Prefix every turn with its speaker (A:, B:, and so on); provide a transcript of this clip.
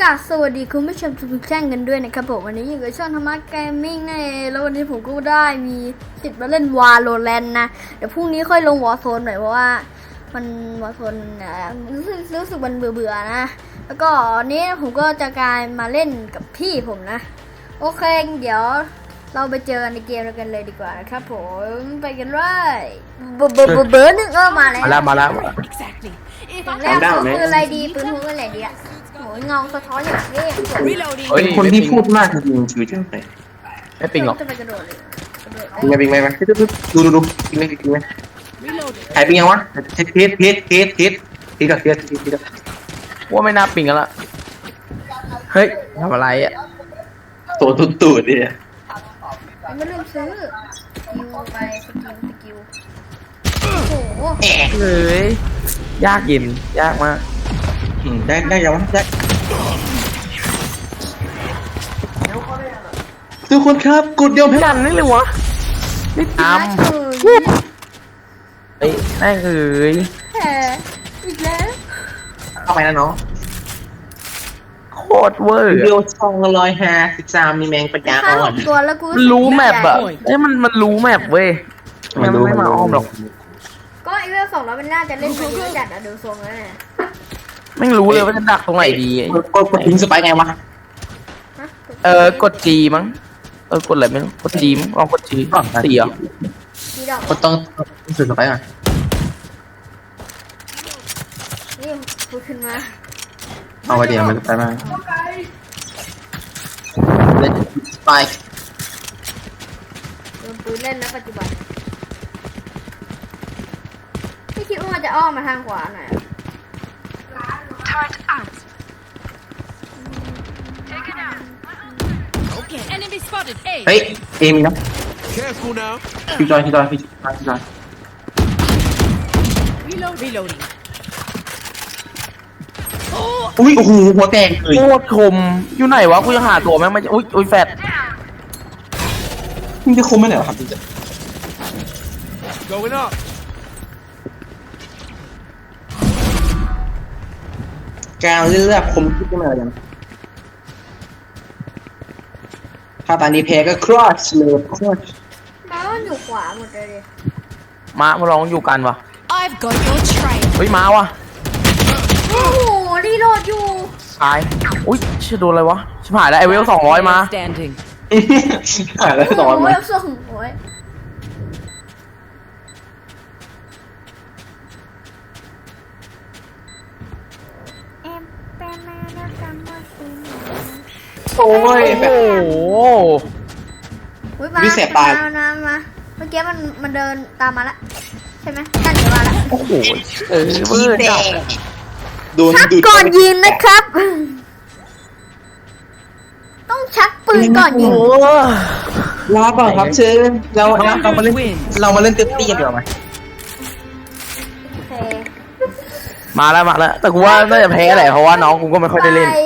A: ราบสวัสดีคุณผู้ชมทุกท่านกันด้วยนะครับผมวันนี้อยู่กับช่องธรรมะเกมมิ่งนั่นเองแล้ววันนี้ผมก็ได้มีสิทธิ์มาเล่นวาโลแรนต์นะเดี๋ยวพรุ่งนี้ค่อยลงวอร์โซนหน่อยเพราะว่ามันวอร์โซนรู้สึกมันเบื่อนะแล้วก็วันนี้ผมก็จะกลายมาเล่นกับพี่ผมนะโอเคเดี๋ยวเราไปเจอกันในเกมกันเลยดีกว่านะครับผมไปกันเลยเบอร์หนึ่งมาแล้ว
B: มาแล้ว
A: ตอนแรกปืนอะไรดีปืนพกอะไรดีอะโหเงาสะท้อนอย่างเท่
C: เป็นคนที่พูดมากจริงๆชีวิตช่างแต่
B: ไม่ปิงหรอก
A: จะไปกระโดดเลย
C: ปิงไหมดูปิงไหมหายปิงยังวะเทสก่อนเทสก่อน
B: ว่าไม่น่าปิงกันละเฮ้ยทำอะไรอ่ะ
C: ตัวตูดเนี่ย
A: ไม่ลืมซื้อสกิลไปสกิลโอ้โห
B: เฮ้ยยากเย็นยากมาก
C: ได้ยังวะได้ทุกคนครับกดเดียวแพ้
B: กันนี่เลยวะนี่ตามเฮ้ยแม่งเอ้ย
A: แพ้อีกแล้ว
C: เข้าไปนะน้อง
B: โคตรเวอร์
C: เดียว253มีแมงปัญญา
A: ฆ่า
C: อ่
A: ห
C: อน
A: กตัวแล้วกู
B: มันรู้แมปอะเอ้ยมันรู้แมปเว้ยมันไม่มาอ้อมหรอก
A: ก็ไอเวล2แล้วมันน่าจะเล่นมาเยอะจัดอะดูทรงแล้วเนี่ย
B: ไม่รู้เลยว่าจะดักตรงไหนดี
C: กดทิ้งสไปไงวะ
B: กด G มั้งกดอะไรไม่รู้กด G มั้งลองกด G 4เหรอ
A: มีดอก
C: กดต้องสุดสไปก่อน
A: นี่พูดขึ้นมา
C: เอาไปเดี๋ยวมันไปมาเล่นสไป
A: โดนปืนเล่นแล้วปัจจุบันไม่คิดว่ามันจะอ้อมมาทางขวาหน่อย
D: Enemy spotted. A.
C: เฮ้ยเอมีนะ
D: Careful now.
C: พี่จอย
D: Reloading.
C: อุ้ยโอ้โหหัวแตกเลย
B: โคตรคมอยู่ไหนวะกูยังหาตัวแม่งไม่อุ้ยแฟด
C: มึงจะคมไม่ไหนวะครับจริง
D: Going up.
C: กาวเลือกคมคิดขึ้นมาอย่างถ้าตอนนี้แพ้ก็ครอชเลยครอช
A: แล้วมันอยู่ขวาหมดเลยดิ
B: มาลองอยู่กันวะ
D: I've got your trail.
B: เฮ้ยมาวะ
A: โอ้โหรีโหลดอยู่
B: ตายอุ้ยชื่อโดนอะไรวะชิบหายแล้วไอเวล200มา
D: Standing.
C: หายแล้วต่อ
A: โอ้
C: มาย
A: ส่งโอ้ย
C: โอ้ย
B: โอ้โห
A: อุ้ยมามาเมื่อกี้มันเดินตามมาละใช่ไหมนั่นเดี๋ยวมาละ
B: โอ้โหเวอร์จัด
C: โดน
A: ชัก
C: ดูด
A: ก่อนยิงนะครับ ต้องชักปืนก่อนยิง
C: ลาก่อนครับเชิญเรามาเล่นเต็มที่กันดีกว่าไหม
A: โอเค
B: มาแล้วแต่กูว่าน่าจะแพ้แหละเพราะว่าน้องกูก็ไม่ค่อยได้เล่น
A: ไป